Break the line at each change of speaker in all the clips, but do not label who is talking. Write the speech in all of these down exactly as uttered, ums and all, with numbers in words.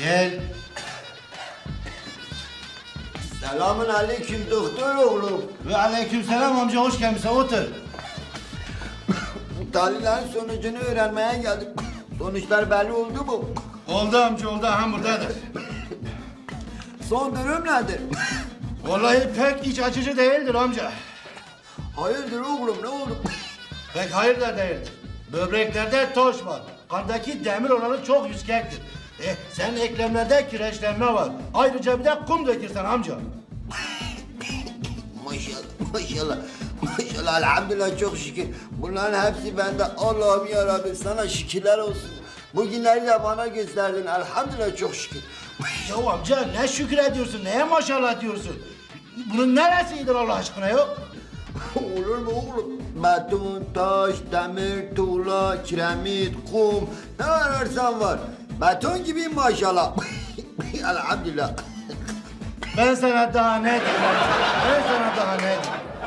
Gel.
Selamun aleyküm doktor oğlum.
Ve aleykümselam amca, hoş gelmişsin, otur.
Tahlillerin sonucunu öğrenmeye geldim. Sonuçlar belli oldu mu?
Oldu amca, oldu. Aha buradadır.
Son durum nedir?
Vallahi pek iç açıcı değildir amca.
Hayırdır oğlum, ne oldu?
Pek hayır da değildir. Böbreklerde toş var. Kandaki demir oranı çok yüksektir. E, senin eklemlerde kireçlenme var. Ayrıca bir de kum dökürsen amca.
Maşallah, maşallah. Maşallah, elhamdülillah, çok şükür. Bunların hepsi bende. Allah'ım yarabbim, sana şükürler olsun. Bu günleri de bana gösterdin. Elhamdülillah, çok şükür.
Ya amca ne şükür ediyorsun, neye maşallah diyorsun? Bunun neresidir Allah aşkına yok?
Olur mu oğlum? Beton, taş, demir, tuğla, kiremit, kum, ne ararsan var. Beton gibiyim maşallah. Elhamdülillah.
Ben sana daha ne diyeyim amca? Ben sana daha ne diyeyim?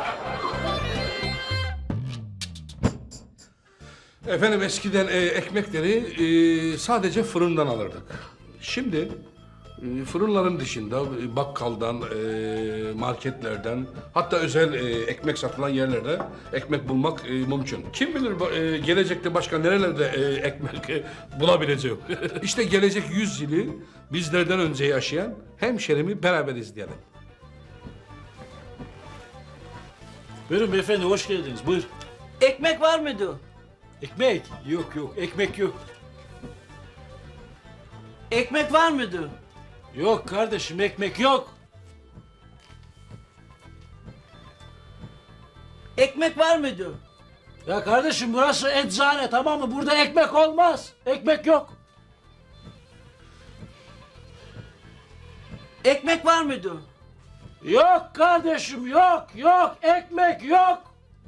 Efendim eskiden e, ekmekleri e, sadece fırından alırdık. Şimdi e, fırınların dışında e, bakkaldan, e, marketlerden, hatta özel e, ekmek satılan yerlerde ekmek bulmak e, mümkün. Kim bilir bu, e, gelecekte başka nerelerde e, ekmek e, bulabileceğim. İşte gelecek yüz yılı bizlerden önce yaşayan hemşerimi beraber izleyelim.
Buyurun beyefendi, hoş geldiniz. Buyur.
Ekmek var mıydı?
Ekmek? Yok yok, ekmek yok.
Ekmek var mıydı?
Yok kardeşim, ekmek yok.
Ekmek var mıydı?
Ya kardeşim, burası eczane, tamam mı? Burada ekmek olmaz. Ekmek yok.
Ekmek var mıydı?
Yok kardeşim, yok yok, ekmek yok.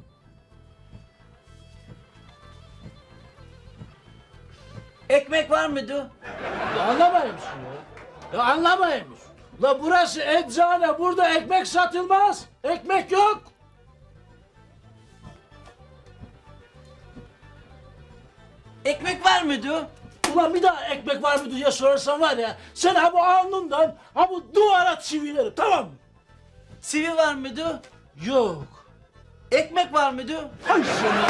Ekmek var mıydı?
Ya anlamayın musun ya? Ya anlamayın musun? La burası eczane, burada ekmek satılmaz. Ekmek yok.
Ekmek var mıydı?
Ulan bir daha ekmek var mı diye sorarsan var ya, sen ha bu alnından ha bu duvara çivilerim, tamam mı?
Sivi var mıydı?
Yok.
Ekmek var mıydı?
Hay seni.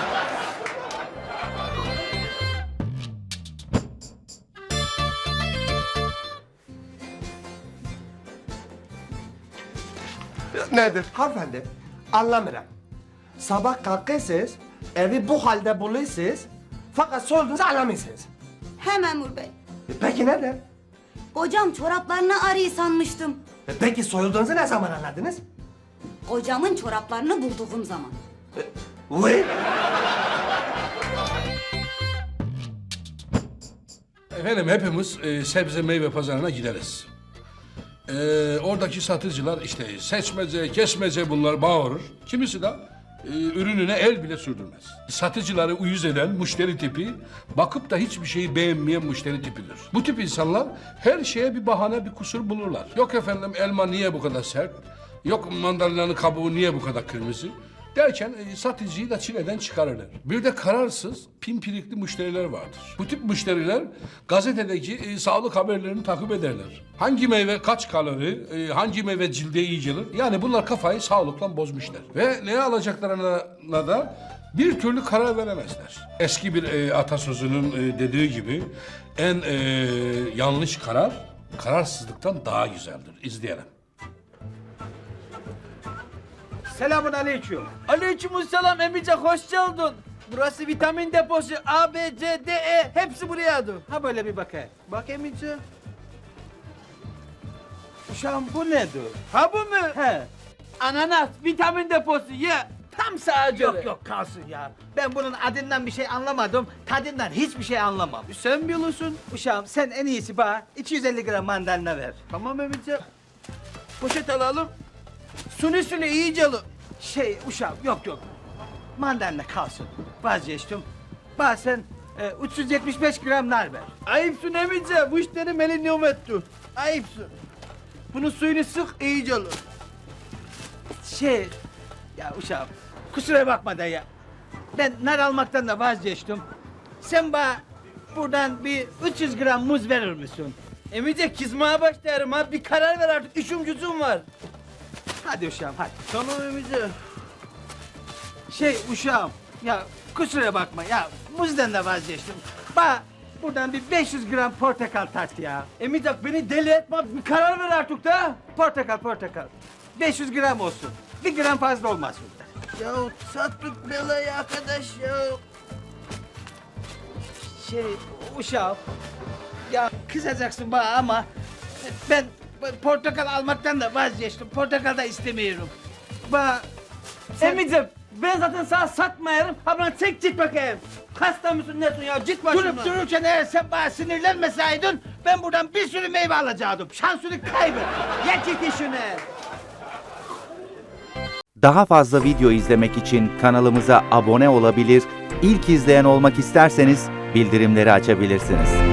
Nedir hanımefendi? Anlamıyorum. Sabah kalkıyorsunuz, evi bu halde buluyorsunuz, fakat sorduğunuzu anlamıyorsunuz.
He memur bey.
E peki neden?
Kocam çoraplarını arıyor sanmıştım.
E peki soyulduğunuzu ne zaman anladınız?
Kocamın çoraplarını bulduğum zaman.
Vay!
Efendim hepimiz e, sebze meyve pazarına gideriz. E, oradaki satıcılar işte seçmece, kesmece bunlar bağırır. Kimisi de e, ürününe el bile sürdürmez. Satıcıları uyuz eden müşteri tipi, bakıp da hiçbir şeyi beğenmeyen müşteri tipidir. Bu tip insanlar her şeye bir bahane, bir kusur bulurlar. Yok efendim elma niye bu kadar sert? Yok mandalinanın kabuğu niye bu kadar kırmızı? Derken e, satıcıyı da çileden çıkarırlar. Bir de kararsız, pimpirikli müşteriler vardır. Bu tip müşteriler gazetedeki e, sağlık haberlerini takip ederler. Hangi meyve kaç kalori, e, hangi meyve cilde iyi gelir? Yani bunlar kafayı sağlıkla bozmuşlar. Ve neye alacaklarına da bir türlü karar veremezler. Eski bir e, atasözünün e, dediği gibi en e, yanlış karar kararsızlıktan daha güzeldir. İzleyelim.
Selamun aleyküm.
Aleykümselam emice, hoş geldin. Burası vitamin deposu. A, B, C, D, E hepsi buraya.
Ha böyle bir bakayım. Bak emice. Uşağım bu nedir?
Ha bu mu?
He.
Ananas vitamin deposu ye. Tam sağa göre.
Yok yok kalsın ya. Ben bunun adından bir şey anlamadım. Tadından hiçbir şey anlamam.
Sen biliyorsun.
Uşağım sen en iyisi bana iki yüz elli gram mandalina ver.
Tamam emice. Poşet alalım. Suni suni iyice alın.
Şey uşağım yok yok. Mandalina kalsın. Vazgeçtim. Bana sen e, üç yüz yetmiş beş gram nar ver.
Ayıpsın emice. Bu işleri melenium etti. Ayıpsın. Bunun suyunu sık iyice alın.
Şey ya uşağım kusura bakma da ya. Ben nar almaktan da vazgeçtim. Sen bana buradan bir üç yüz gram muz verir misin?
Emice kızmaya başlarım ha. Bir karar ver artık. İşim gücüm var.
Hadi uşağım hadi.
Tamam Emice.
Şey uşağım ya kusura bakma ya buzdan da vazgeçtim. Ba buradan bir beş yüz gram portakal tart ya.
Emice beni deli etme. Bir karar ver artık da.
Portakal portakal. beş yüz gram olsun. Bir gram fazla olmaz burada.
Ya sattık belayı arkadaş ya.
Şey uşağım ya kızacaksın bana ama ben portakal almaktan da vazgeçtim. Portakal da istemiyorum. Ba
Emice ben zaten sana satmayarım. Ha bana çek git bakayım. Hasta mısın nesin ya? Git başımdan.
durup dururken eğer sen bana sinirlenmeseydin ben buradan bir sürü meyve alacaktım. Şansını kaybet.
Ya git işine.
Daha fazla video izlemek için kanalımıza abone olabilir, ilk izleyen olmak isterseniz bildirimleri açabilirsiniz.